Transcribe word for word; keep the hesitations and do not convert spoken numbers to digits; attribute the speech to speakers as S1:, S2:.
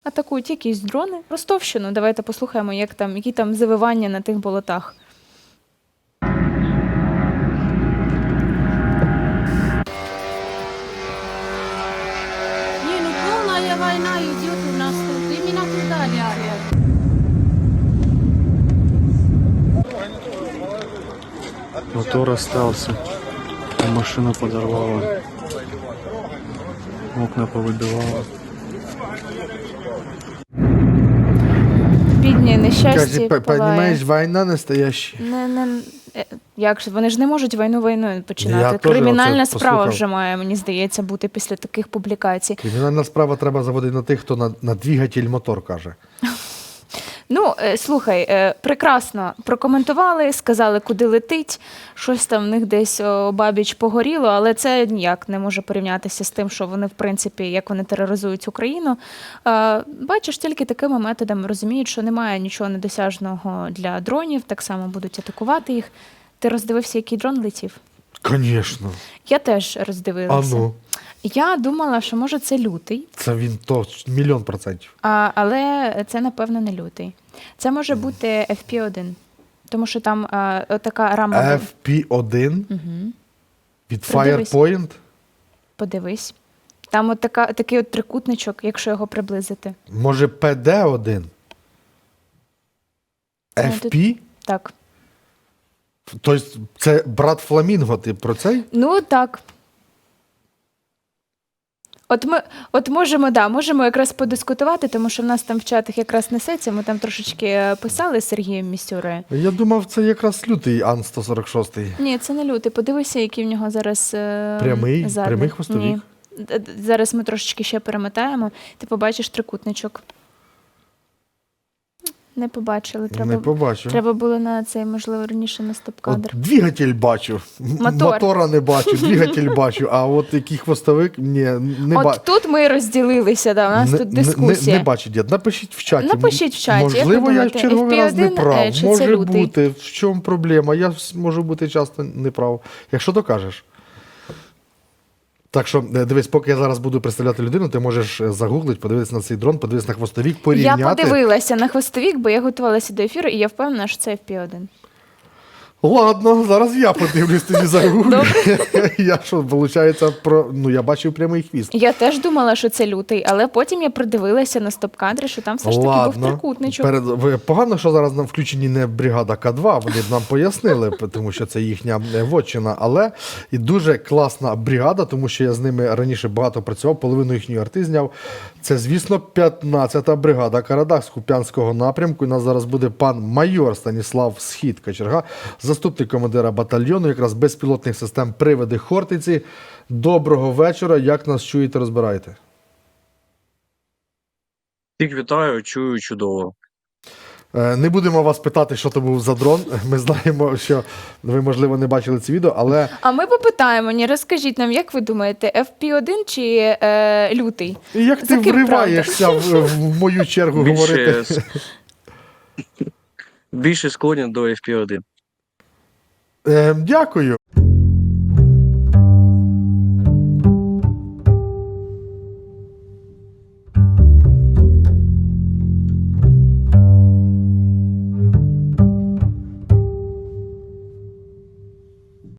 S1: атакують якісь дрони. Ростовщину, давайте послухаємо, як там, які там завивання на тих болотах.
S2: Не, ну полная война идет у нас тут. Именно туда лярят.
S3: Мотор остался, а машину подорвала, окна повыбивала.
S1: Бідні, нещасті,
S4: Каже,
S1: палає.
S4: розумієш, війна настояща.
S1: Не, не, е, як ж, вони ж не можуть війну війною починати.
S4: Я теж
S1: Кримінальна
S4: оце
S1: справа
S4: послухав.
S1: вже має, мені здається, бути після таких публікацій.
S4: Кримінальна справа треба заводити на тих, хто на, на двигатель мотор каже.
S1: Ну, е, слухай, е, прекрасно прокоментували, сказали, куди летить, щось там в них десь обабіч погоріло, але це ніяк не може порівнятися з тим, що вони, в принципі, як вони тероризують Україну. Е, Бачиш, тільки такими методами розуміють, що немає нічого недосяжного для дронів, так само будуть атакувати їх. Ти роздивився, який дрон летів?
S4: Звісно.
S1: Я теж
S4: А
S1: роздивилася.
S4: ну,
S1: Я думала, що може це лютий,
S4: це він то мільйон процентів.
S1: а, але це, напевно, не лютий. Це може бути еф пі один, тому що там а, така рама.
S4: еф пі один
S1: Угу.
S4: від
S1: Придивись.
S4: Firepoint.
S1: Подивись. Там от така, такий от трикутничок, якщо його приблизити.
S4: Може пі ді один?
S1: Ну,
S4: еф
S1: тут-
S4: пі?
S1: Так.
S4: Тобто це брат Фламінго, ти про цей?
S1: Ну, так. От ми от можемо, да, можемо якраз подискутувати, тому що в нас там в чатах якраз несеться, ми там трошечки е, писали з Сергієм Місюрою.
S4: Я думав, це якраз лютий Ан сто сорок шість.
S1: Ні, це не лютий. Подивися, який в нього зараз е,
S4: Прямий?
S1: задник.
S4: Прямий хвостовик?
S1: Ні. Д- д- Зараз ми трошечки ще перемотаємо. Ти побачиш трикутничок. Не побачили. Треба,
S4: Не побачив.
S1: треба було на цей, можливо, раніше на стоп-кадр.
S4: От двигатель бачу. М-
S1: Мотор.
S4: Мотора не бачу, двигатель бачу, а от який хвостовик, ні, не
S1: От
S4: бачу.
S1: тут ми розділилися, да, у нас
S4: Не-
S1: тут
S4: не-
S1: дискусія.
S4: Не, не бачу, дід. Напишіть в чаті.
S1: Напишіть в чаті, як
S4: Можливо,
S1: ви
S4: я в
S1: думаєте,
S4: черговий раз не
S1: еф пі один,
S4: прав.
S1: е, чи це
S4: Може
S1: лютий?
S4: бути. В чому проблема? Я вс- можу бути часто не прав. Якщо докажеш. Так що, е, дивись, поки я зараз буду представляти людину, ти можеш е, загуглити, подивитися на цей дрон, подивитися на хвостовік,
S1: Я
S4: порівняти.
S1: подивилася на хвостовік, бо я готувалася до ефіру, і я впевнена, що це еф пі один.
S4: Ладно, зараз я подивлюсь тоді загуглю. Я що, виходить, про... ну, я бачив прямий хвіст.
S1: Я теж думала, що це лютий, але потім я придивилася на стоп-кадри, що там все ж таки був трикутничок.
S4: Перед... ви- Погано, що зараз нам включені не бригада К два, вони б нам пояснили, тому що це їхня е, вотчина, але і дуже класна бригада, тому що я з ними раніше багато працював, половину їхньої арти зняв. Це, звісно, п'ятнадцята бригада Карадах з Куп'янського напрямку. У нас зараз буде пан майор Станіслав Схід Кочерга, заступник командира батальйону, якраз безпілотних систем «Привиди Хортиці». Доброго вечора, як нас чуєте, розбираєте?
S3: Всіх вітаю, чую чудово.
S4: Е, Не будемо вас питати, що то був за дрон. Ми знаємо, що ви, можливо, не бачили це відео, але
S1: А ми попитаємо, ні, розкажіть нам, як ви думаєте, еф пі один чи е, лютий?
S4: як ти
S1: За ким
S4: вриваєшся в, в мою чергу говорити?
S3: Більше, с- більше склонен до еф пі один.
S4: Е, Дякую.